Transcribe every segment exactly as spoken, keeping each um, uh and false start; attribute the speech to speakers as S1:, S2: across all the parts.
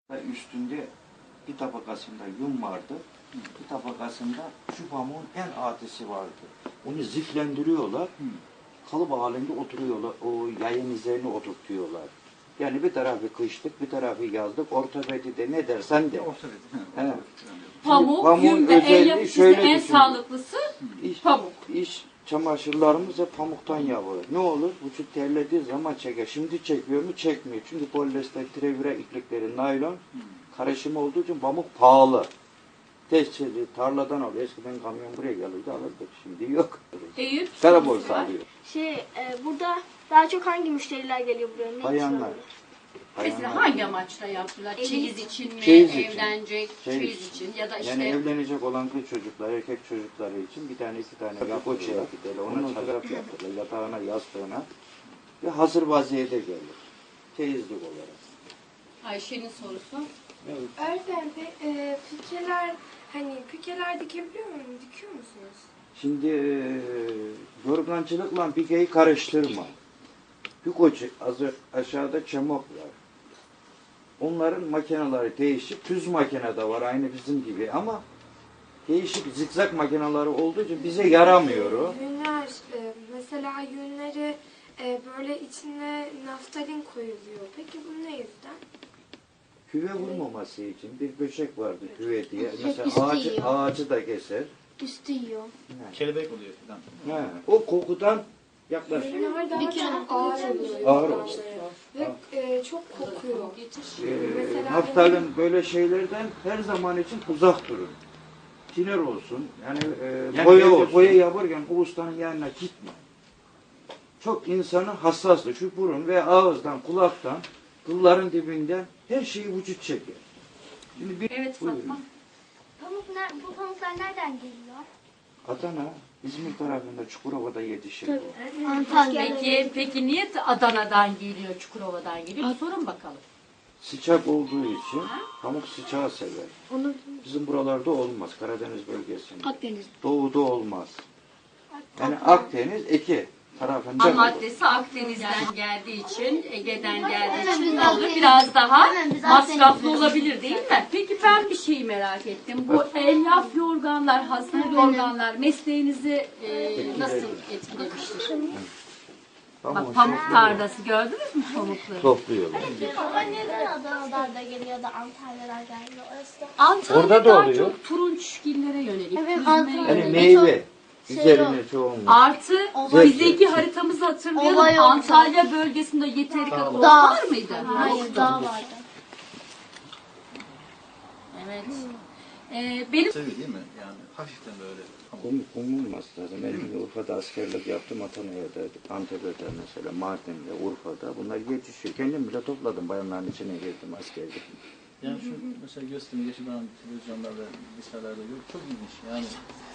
S1: Üstünde bir tabakasında yün vardı. Bir tabakasında şu pamuğun en adisi vardı. Onu ziflendiriyorlar. Kalıp halinde oturuyorlar. O yayın üzerine oturtuyorlar. Yani bir tarafı kışlık, bir tarafı yazlık. Ortopedide ne dersen de. Evet.
S2: Pamuk, yün ve el yapısı en
S1: düşün.
S2: sağlıklısı
S1: İş,
S2: pamuk.
S1: İş çamaşırlarımız hep pamuktan yapılır. Ne olur? Vücut terlediği zaman çeker. Şimdi çekiyor mu? Çekmiyor. Çünkü polyester, trevire iplikleri, naylon karışımı olduğu için pamuk pahalı. Tescilli tarladan alıyor. Eskiden kamyon buraya gelirdi alırdık. Şimdi yok.
S2: Eyüp.
S1: Kara borsa alıyor.
S3: Şey, e, burada daha çok hangi müşteriler geliyor buraya? Ne
S1: Bayanlar.
S3: istiyorlar?
S2: Mesela
S1: Bayanlar.
S2: hangi amaçla yaptılar?
S3: Evi-
S2: Çeyiz için mi?
S1: Çeyiz için.
S2: Evlenecek,
S1: Çeyiz
S2: çeyiz için ya da işte
S1: Yani evlenecek olan kız çocuklar, erkek çocukları için bir tane iki tane yapoça giderler. Ona çarap yaptırırlar. Yatağına, yastığına. Ve hazır vaziyete gelir. Çeyizlik olarak.
S2: Ayşe'nin sorusu.
S1: Evet.
S4: Öğretmenim, pe- e, pikeler, hani pikeler dikebiliyor muyum, dikiyor musunuz?
S1: Şimdi e, yorgancılıkla pikeyi karıştırma. Pikoçu aşağıda çamok var. Onların makineleri değişik. Düz makine de var aynı bizim gibi ama değişik zikzak makineleri olduğu için bize yaramıyor o.
S4: Yünler, e, mesela yünleri e, böyle içine naftalin koyuluyor. Peki bu ne yüzden?
S1: Küve vurmaması için bir böcek vardı küve diye.
S3: Hep
S1: Mesela
S3: üstü
S1: ağacı,
S3: yiyor.
S1: ağacı da keser.
S3: Üstü yiyor.
S5: Kelebek oluyor falan.
S1: Ha, o kokudan yaklaşık.
S4: Yünler daha
S2: Peki,
S4: çok ağır oluyor.
S1: Ağır oluyor.
S4: Ve e, çok kokuyor.
S1: Ee,
S4: Mesela
S1: naftalin böyle şeylerden her zaman için uzak durun. Tiner olsun, yani, e,
S5: Yani
S1: boya,
S5: boya olsun.
S1: boya yaparken o ustanın yanına gitme. Çok insanı hassaslı. Şu burun ve ağızdan, kulaktan, kılların dibinden her şeyi vücut çeker. Şimdi bir,
S2: Evet
S1: buyurun.
S2: Fatma.
S3: Pamuk, ner- bu pamuklar nereden geliyor?
S1: Adana, İzmir tarafında Çukurova'da yetişir. bu.
S3: Antalya.
S2: Peki, peki niye Adana'dan geliyor, Çukurova'dan geliyor? Bir sorun bakalım.
S1: Sıcak olduğu için pamuk sıcağı sever.
S3: Onu
S1: Bizim buralarda olmaz. Karadeniz bölgesinde.
S3: Akdeniz.
S1: Doğuda olmaz. Yani Akdeniz iki tarafında
S2: Ham
S1: olur.
S2: maddesi Akdeniz'den geldiği için, Ege'den geldiği
S3: Hemen
S2: için
S3: biz
S2: ne olur?
S3: Akdeniz-
S2: Biraz daha
S3: Hemen biz
S2: masraflı
S3: Akdeniz'de
S2: olabilir değil mi? Peki ben bir şeyi merak ettim. Bu elyaf yorganlar, hazır yorganlar mesleğinizi e, nasıl etkilemiştir?
S1: Pamuğun
S2: Bak pamuk
S1: şekli bu.
S2: tarlası gördünüz mü pamukları?
S1: Topluyorlar.
S3: Ama neden Adana'dan da geliyor da Antalya'dan gelmiyor? Orası da...
S2: Antalya
S1: Orada da
S2: daha
S1: oluyor.
S2: çok turunçgillere yönelik.
S3: Evet,
S2: üzmeye
S3: Antalya.
S1: Yani
S2: yönelik.
S1: meyve
S3: Şey
S1: üzerine
S3: yok.
S1: çoğunlukla.
S2: Artı
S3: Olay-
S2: bizdeki haritamızı hatırlayalım.
S3: Olay yok.
S2: Antalya bölgesinde yeteri kadar ot
S3: Dağ.
S2: var mıydı?
S3: Hayır, dağ vardı.
S2: Evet. Ee, benim
S5: Seviyor değil mi? Yani hafiften böyle.
S1: Kum, kum olmaz lazım. Ben de Urfa'da askerlik yaptım. Atana'da, Antep'te mesela, Mardin'de, Urfa'da. Bunlar yetişiyor. Kendim bile topladım. Bayanların içine girdim askerlik.
S5: Yani şu mesela gösterimi yaşanan televizyonlarda, liselerde yok. Çok ilginç. Yani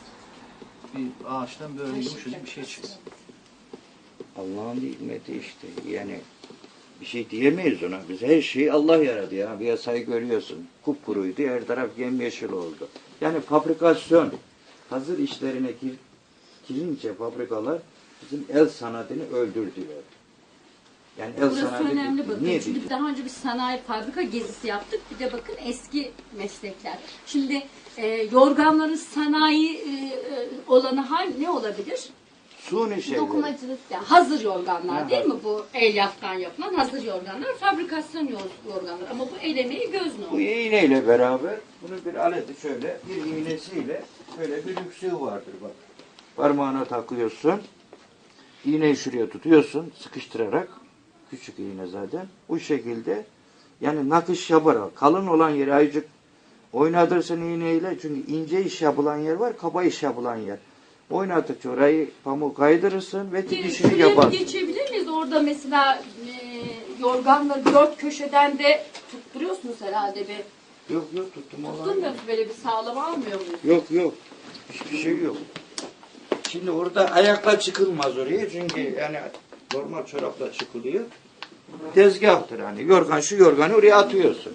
S5: bir ağaçtan böyle yumuşacık bir şey çıkıyor.
S1: Allah'ın hikmeti işte. Yani bir şey diyemeyiz ona. Biz her şeyi Allah yaradı ya. Piyasayı görüyorsun. Kupkuruydu. Her taraf yemyeşil oldu. Yani fabrikasyon, hazır işlerine gir, girince fabrikalar bizim el sanatını öldürdüler. Yani el
S2: burası
S1: sanatı
S2: önemli
S1: bitti.
S2: bakın.
S1: Niye
S2: Çünkü
S1: bitti?
S2: daha önce bir sanayi fabrika gezisi yaptık. Bir de bakın eski meslekler. Şimdi e, yorganların sanayi e, e, olanı hangi ne olabilir?
S1: Suni şeyler.
S3: Dokumacılık.
S2: Yani hazır yorganlar
S1: Ha,
S2: değil mi? Bu elyaftan yapılan hazır yorganlar, fabrikasyon yor- yorganlar. Ama bu el emeği göz
S1: Bu
S2: nuru.
S1: iğneyle beraber bunu bir aleti şöyle bir iğnesiyle böyle bir yüksüğü vardır bak. Parmağına takıyorsun. İğneyi şuraya tutuyorsun sıkıştırarak. Küçük iğne zaten. Bu şekilde yani nakış yaparak kalın olan yeri ayıcık oynatırsın iğneyle. Çünkü ince iş yapılan yer var, kaba iş yapılan yer. Oynatıkça orayı pamuk kaydırırsın ve dikişini
S2: Şuraya bir
S1: yaparsın.
S2: geçebilir miyiz? Orada mesela e, yorganları dört köşeden de tutturuyorsunuz herhalde bir.
S1: Yok yok tuttum olan.
S2: Tutturmuyor musunuz? Böyle bir sağlam almıyor muyuz?
S1: Yok yok. Hiçbir şey yok. Şimdi orada ayakla çıkılmaz oraya çünkü yani normal çorapla çıkılıyor. Tezgahtır hani. Yorgan şu yorganı oraya atıyorsun.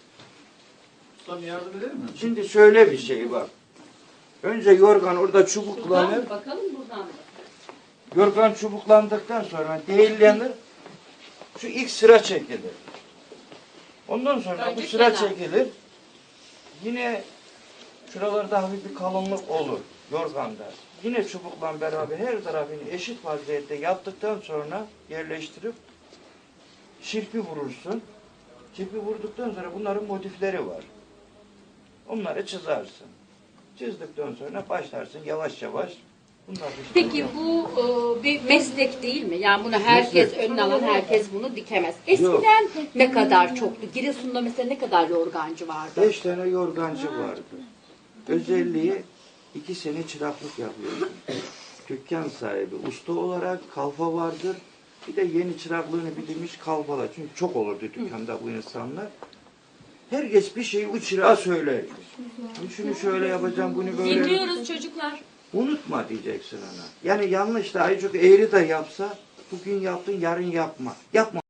S5: Ustam yardım eder mi?
S1: Şimdi şöyle bir şey var. Önce yorgan orada çubuklanır.
S2: Buradan bakalım buradan da.
S1: Yorgan çubuklandıktan sonra değillenir. Şu ilk sıra çekilir. Ondan sonra bu
S2: Önce
S1: sıra
S2: kenar.
S1: çekilir. Yine şuralarda hafif bir kalınlık olur yorganda. Yine çubukla beraber her tarafını eşit vaziyette yaptıktan sonra yerleştirip şirpi vurursun. Şirpi vurduktan sonra bunların motifleri var. Onları çizersin. Çizdikten sonra başlarsın yavaş yavaş. Bunlar işte
S2: Peki bu e, bir meslek değil mi? Yani bunu herkes
S1: Meslek.
S2: önüne alan herkes bunu dikemez. Eskiden ne kadar çoktu? Giresun'da mesela ne kadar yorgancı vardı?
S1: beş tane yorgancı vardı. Özelliği iki sene çıraklık yapıyordu. Dükkan sahibi usta olarak kalfa vardır. Bir de yeni çıraklığını bilmiş kalfalar. Çünkü çok olurdu dükkanda bu insanlar. Herkes bir şeyi o çırağa söyler. Şunu şöyle yapacağım, bunu böyle.
S2: Dinliyoruz çocuklar.
S1: Unutma diyeceksin ona. Yani yanlış da çok eğri de yapsa bugün yaptın yarın yapma. Yapma.